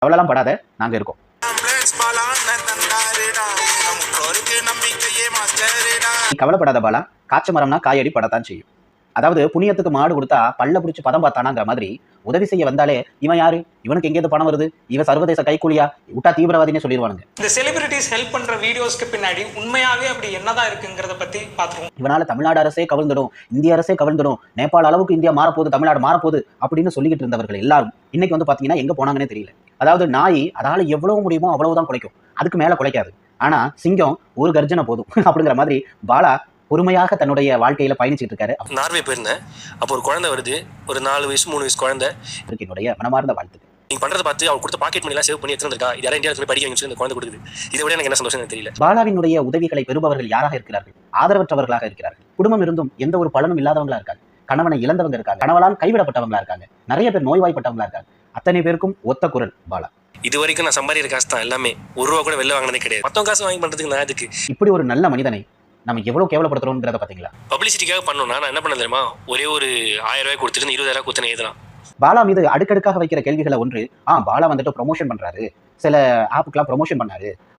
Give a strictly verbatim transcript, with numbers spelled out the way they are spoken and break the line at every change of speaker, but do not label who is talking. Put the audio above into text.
கவலைலாம் படாத, நாங்க இருக்கோம். நீ கவலைப்படாத பாலா, காய்ச்ச மரம்னா காயடி படத்தான் செய்யும். அதாவது புண்ணியத்துக்கு மாடு கொடுத்தா பல்ல பிடிச்சி பதம் பார்த்தானாங்கிற மாதிரி உதவி செய்ய வந்தாலே இவன் யாரு, இவனுக்கு எங்கேயிருந்து பணம் வருது, இவன் சர்வதேச கைக்கூலியா, விட்டா தீவிரவாதினே சொல்லிடுவானுங்க.
இந்த செலிபிரிட்டிஸ் ஹெல்ப் பண்ற வீடியோஸ்க்கு பின்னாடி உண்மையாவே அப்படி என்னதான் இருக்குங்கிறத பத்தி பாத்துருவோம்.
இவனால தமிழ்நாடு அரசே கவிழ்ந்துடும், இந்திய அரசே கவிழ்ந்துடும், நேபாள அளவுக்கு இந்தியா மாறப்போகுது, தமிழ்நாடு மாறப்போகுது அப்படின்னு சொல்லிக்கிட்டு இருந்தவர்கள் எல்லாரும் இன்னைக்கு வந்து பாத்தீங்கன்னா எங்க போனாங்கன்னே தெரியல. அதாவது நாய் அதால எவ்வளவு முடியுமோ அவ்வளவுதான் குலைக்கும், அதுக்கு மேல குலைக்காது. ஆனா சிங்கம் ஒரு கர்ஜனை போதும் அப்படிங்கிற மாதிரி பாலா பொறுமையாக தன்னுடைய வாழ்க்கையில பயணிச்சுட்டு இருக்காரு.
நார்வே போயிருந்தேன். அப்போ ஒரு குழந்தை வருது, ஒரு நாலு வயசு மூணு வயசு குழந்தை.
என்னுடைய மனமார்ந்த வாழ்த்துக்கு.
நீங்க பண்றதை பார்த்து அவங்க கொடுத்த பாக்கெட் மணி எல்லாம் சேவ் பண்ணி எடுத்துருக்கா, இது யாரும் இந்தியாவுக்கு படிக்க வைங்க இந்த குழந்தை கொடுக்குது. இதை விட எனக்கு என்ன சந்தோஷம் தெரியல.
பாலாவினுடைய உதவிகளை பெறுபவர்கள் யாராக இருக்கிறார்கள்? ஆதரவற்றவர்களாக இருக்கிறார்கள். குடும்பம் இருந்தும் எந்த ஒரு பலனும் இல்லாதவங்களா இருக்காங்க. கணவனை இழந்தவங்க இருக்காங்க, கணவனால் கைவிடப்பட்டவங்களா இருக்காங்க, நிறைய பேர் நோய்வாய்ப்பட்டவங்களா இருக்காங்க. அத்தனை பேருக்கும் ஒத்த குரல் பாலா.
இது வரைக்கும் நான் சம்பாதிக்கிற காசு தான் எல்லாமே, ஒரு ரூபா கூட வெளில வாங்கினதே கிடையாது. மொத்தம் காசு வாங்கி பண்றதுக்கு நான் அதுக்கு
இப்படி ஒரு நல்ல மனிதனை நம்ம எவ்வளவு கேவலப்படுத்துறோம்ங்கிறத பாத்தீங்களா?
பப்ளிசிட்டிக்காக பண்ணணும்னா நான் என்ன பண்ண தெரியுமா, ஒரே ஒரு ஆயிரம் ரூபாய் கொடுத்துட்டு இருபதாயிரம் கொடுத்து எழுதலாம்.
பாலா மீது அடுக்கடுக்காக வைக்கிற கேள்விகளை ஒன்று, ஆ பாலா வந்துட்டு ப்ரொமோஷன் பண்றாரு, சில ஆப்புக்கெல்லாம் ப்ரொமோஷன் பண்ணாரு,